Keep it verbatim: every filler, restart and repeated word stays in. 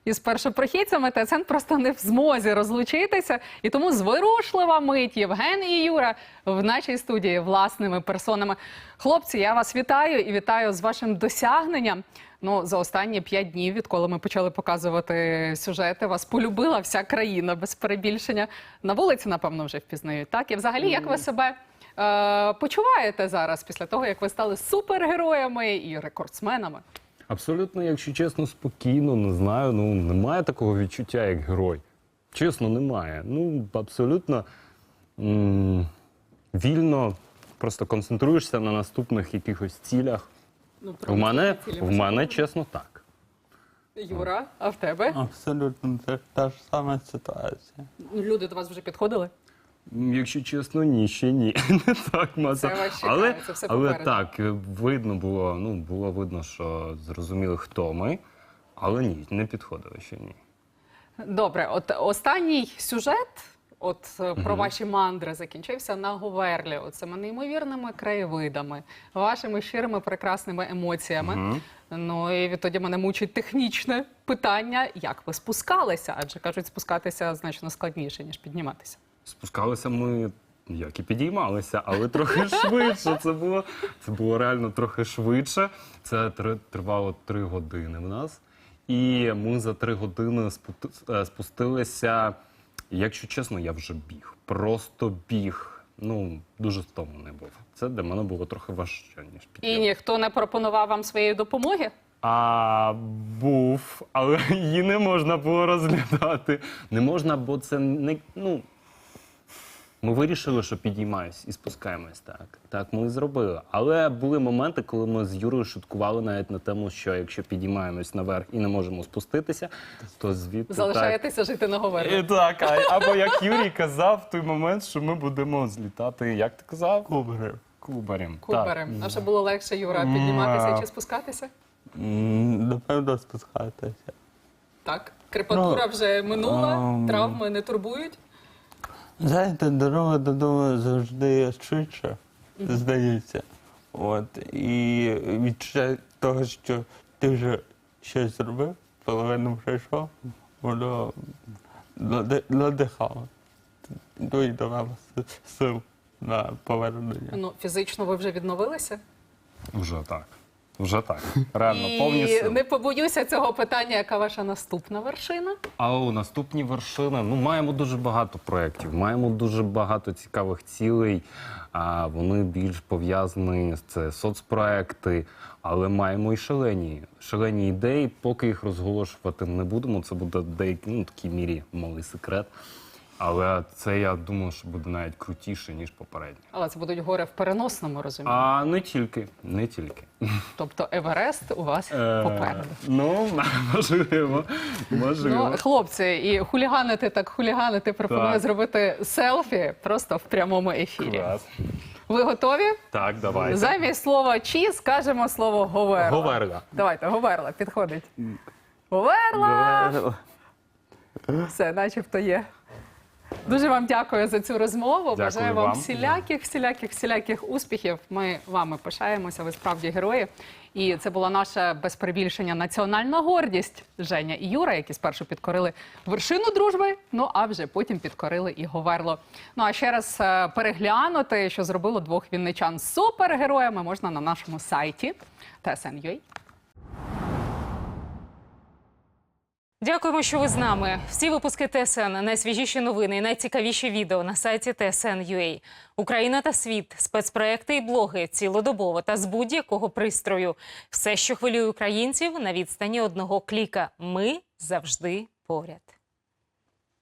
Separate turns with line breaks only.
із першопрохідцями, ТСН просто не в змозі розлучитися. І тому зворушлива мить Євген і Юра в нашій студії власними персонами. Хлопці, я вас вітаю і вітаю з вашим досягненням. Ну, за останні п'ять днів, відколи ми почали показувати сюжети, вас полюбила вся країна, без перебільшення. На вулиці, напевно, вже впізнають, так? І взагалі, як ви себе е, почуваєте зараз, після того, як ви стали супергероями і рекордсменами?
Абсолютно, якщо чесно, спокійно, не знаю, ну, немає такого відчуття, як герой. Чесно, немає. Ну, абсолютно м вільно, просто концентруєшся на наступних якихось цілях. Ну, в мене, в мене, чесно, так.
Юра, а в тебе?
Абсолютно та, та ж сама ситуація.
Люди до вас вже підходили?
Якщо чесно, ні, ще ні. Не так маса.
Це вас чекає,
але,
це все
але
попереду.
так, видно було, ну, було видно, що зрозуміли, хто ми, але ні, не підходили ще ні.
Добре, от останній сюжет, от е, про ваші мандри закінчився на Говерлі. Оцими неймовірними краєвидами, вашими щирими прекрасними емоціями.
Мгм.
Ну і відтоді мене мучить технічне питання, як ви спускалися? Адже, кажуть, спускатися значно складніше, ніж підніматися.
Спускалися ми, як і підіймалися, але трохи швидше. Це було, це було реально трохи швидше. Це тр- тривало три години в нас. І ми за три години спу- е, спустилися, якщо чесно, я вже біг. Просто біг. Ну, дуже стомлений був. Це для мене було трохи важче, ніж
І
підйом.
ніхто не пропонував вам своєї допомоги?
А був, але її не можна було розглядати. Не можна, бо це не, ну, ми вирішили, що підіймаємось і спускаємось, так. Так, ми і зробили. Але були моменти, коли ми з Юрою шуткували навіть на тему, що якщо підіймаємось наверх і не можемо спуститися, то звідти
Залишаєтеся жити на Говерлі?
так. Так, а- або як Юрій казав в той момент, що ми будемо злітати, як ти казав?
Кубарем.
Кубарем.
Кубарем. А що було легше, Юра,
М,
підніматися
а.
чи спускатися?
М, Напевно, спускатися.
Так. Крепатура
Ну,
вже минула,
ем,
травми не турбують?
Знаєте, дорога додому завжди швидше, здається. От. І відчуття того, що ти вже щось зробив, половину пройшов, воно нади- надихало. Ну і давало с- сил на повернення.
Ну, фізично ви вже відновилися?
Вже так. Вже так. Реально,
І
повні сили.
не побоюся цього питання, яка ваша наступна вершина?
А у наступні вершини, ну, маємо дуже багато проєктів, маємо дуже багато цікавих цілей. А вони більш пов'язані, це соцпроекти, але маємо і шалені, шалені ідеї. Поки їх розголошувати не будемо, це буде в деякій, ну, такій мірі малий секрет. Але це, я думаю, що буде навіть крутіше, ніж попередні.
Але це будуть гори в переносному розумінні.
А не тільки, не тільки.
Тобто Еверест у вас
Е,
попереду.
Ну, можливо, можливо.
Ну, хлопці, і хуліганити так хуліганити пропоную
Так.
зробити селфі просто в прямому ефірі.
Клас.
Ви готові?
Так, давайте.
Замість слова «чі» скажемо слово «говерла».
Говерла.
Давайте, говерла, підходить. Говерла! Все, начебто є. Дуже вам дякую за цю розмову.
Дякую
Бажаю вам
вам.
всіляких, всіляких, всіляких успіхів. Ми вами пишаємося, ви справді герої. І це була наша, без перебільшення, національна гордість Женя і Юра, які спершу підкорили вершину дружби, ну а вже потім підкорили і Говерло. Ну а ще раз е, переглянути, що зробило двох вінничан супергероями, можна на нашому сайті Т С Н крапка Ю А.
Дякуємо, що ви з нами. Всі випуски Т С Н, найсвіжіші новини і найцікавіші відео на сайті Т С Н крапка Ю А. Україна та світ, спецпроекти і блоги цілодобово та з будь-якого пристрою. Все, що хвилює українців, на відстані одного кліка. Ми завжди поряд.